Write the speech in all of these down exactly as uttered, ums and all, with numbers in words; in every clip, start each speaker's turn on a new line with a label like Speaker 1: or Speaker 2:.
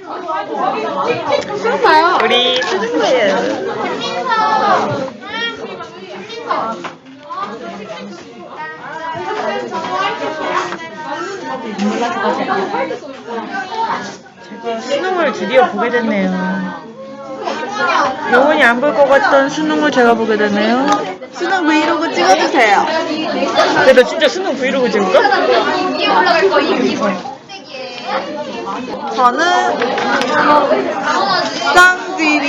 Speaker 1: 수능 봐요.
Speaker 2: 우리 수능 봐요. 제가 수능을 드디어 보게 됐네요. 영원히 안 볼 것 같던 수능을 제가 보게 되네요.
Speaker 1: 수능 브이로그 찍어주세요.
Speaker 2: 근데 너 진짜 수능 브이로그 찍을까?
Speaker 1: 저는 쌍지리.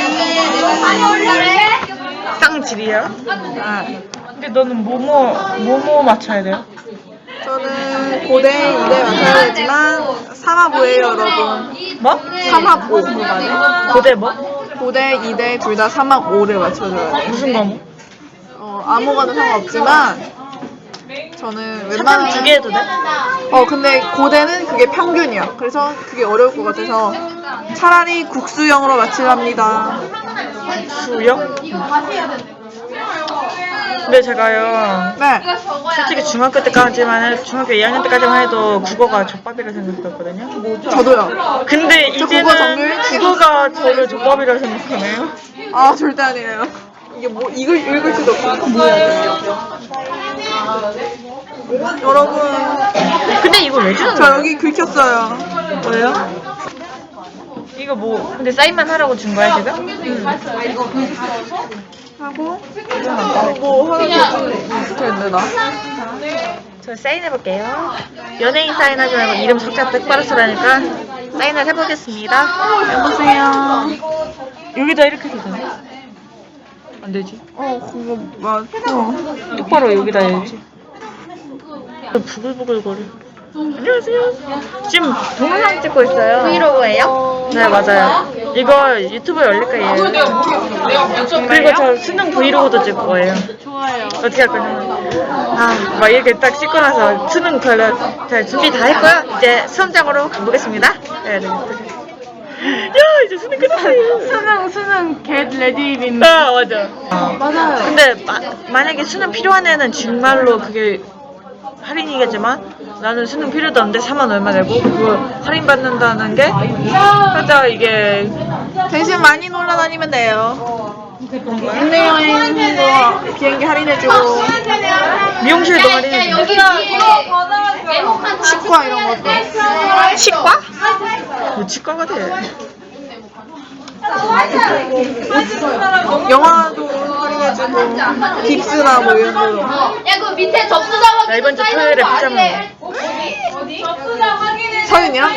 Speaker 2: 쌍질이야?
Speaker 1: 아,
Speaker 2: 근데 너는 뭐뭐 뭐뭐 맞춰야 돼요?
Speaker 1: 저는 고대 이대 맞춰야 되지만 삼합오예요 여러분.
Speaker 2: 뭐?
Speaker 1: 삼합오.
Speaker 2: 고대 뭐?
Speaker 1: 고대 이대 둘 다 삼합오를 맞춰줘야 돼요.
Speaker 2: 무슨 과목?
Speaker 1: 어, 아무거나 상관없지만 저는
Speaker 2: 사탐
Speaker 1: 웬만하면
Speaker 2: 두 개 해도 돼?
Speaker 1: 어 근데 고대는 그게 평균이야. 그래서 그게 어려울 것 같아서 차라리 국수형으로 맞추랍니다.
Speaker 2: 수영? 근데 제가요
Speaker 1: 네.
Speaker 2: 솔직히 중학교 때까지만 해도 중학교 이 학년 때까지만 해도 국어가 족밥이라 생각했거든요.
Speaker 1: 저도요.
Speaker 2: 근데
Speaker 1: 저 국어
Speaker 2: 이제는
Speaker 1: 정말
Speaker 2: 국어가 저를 족밥이라 생각하네요.
Speaker 1: 아 절대 아니에요. 이게 뭐 이걸 읽을 수도 없고 뭐야. 여러분
Speaker 2: 근데 이거 왜 주는
Speaker 1: 저
Speaker 2: 거예요?
Speaker 1: 여기 긁혔어요.
Speaker 2: 뭐예요? 이거 뭐 근데 사인만 하라고 준 거야 지금?
Speaker 1: 하고 어, 뭐 하나 더 붙어있네 나.
Speaker 2: 저 사인해볼게요. 연예인 사인하지 말고 이름 석자 똑바로 쓰라니까 사인을 해보겠습니다.
Speaker 1: 여보세요.
Speaker 2: 여기다 이렇게 해도 되나? 안 되지.
Speaker 1: 어 그거 맞어.
Speaker 2: 똑바로 여기다 해야지. 부글부글거려. 안녕하세요. 지금 동영상 찍고 있어요. 브이로그예요? 네 맞아요. 이거 유튜브에 올릴 거예요. 그리고 저 수능 브이로그도 찍을 거예요.
Speaker 1: 좋아요.
Speaker 2: 어떻게 할 거냐? 아, 막 이렇게 딱 씻고 나서 수능 걸려 자, 준비 다 했고요. 이제 수험장으로 가보겠습니다. 해야 되겠다. 야, 이제 수능 끝났어요.
Speaker 1: 수능 수능 get ready 민.
Speaker 2: 아, 맞아.
Speaker 1: 맞아요.
Speaker 2: 근데 마, 만약에 수능 필요한 애는 정말로 그게 할인이겠지만 나는 수능 필요도 없는데 사만 얼마 내고 그거 할인 받는다는 게 살짝 이게
Speaker 1: 대신 많이 놀러 다니면 돼요. 국내 여행도 비행기 할인해주고
Speaker 2: 미용실도 할인해줘.
Speaker 1: 치과 이런 것도.
Speaker 2: 치과? 뭐 치과가 돼?
Speaker 1: 영화도 할인해주고 깁스나 뭐 이런 거.
Speaker 3: 야, 그 밑에 접수자가
Speaker 2: 나 이번 주 토요일에 피자 먹어.
Speaker 1: 서윤이랑?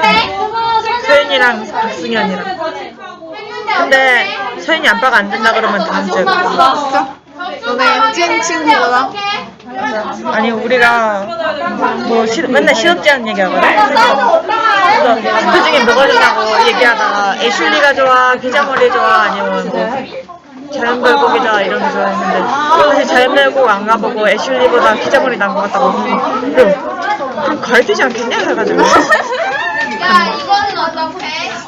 Speaker 2: 서윤이랑 박승현이랑. 근데 서윤이 아빠가 안 된다 그러면 다음 주에 가.
Speaker 1: 진짜? 너네 찐 친구구나.
Speaker 2: 아니 우리가 뭐 시, 맨날 시덥지 않은 얘기하거든. 그래서 그 중에 뭐가 좋냐고 얘기하다가 애슐리가 좋아, 기자머리 좋아, 아니면 뭐 자연별곡이 좋아 이런 거 좋아했는데 사실 자연별곡 안 가보고 애슐리보다 기자머리 난 것 같다고. 그럼 그럼 가야 되지 않겠냐 해가지고.
Speaker 3: 야, 이거는 어떻게?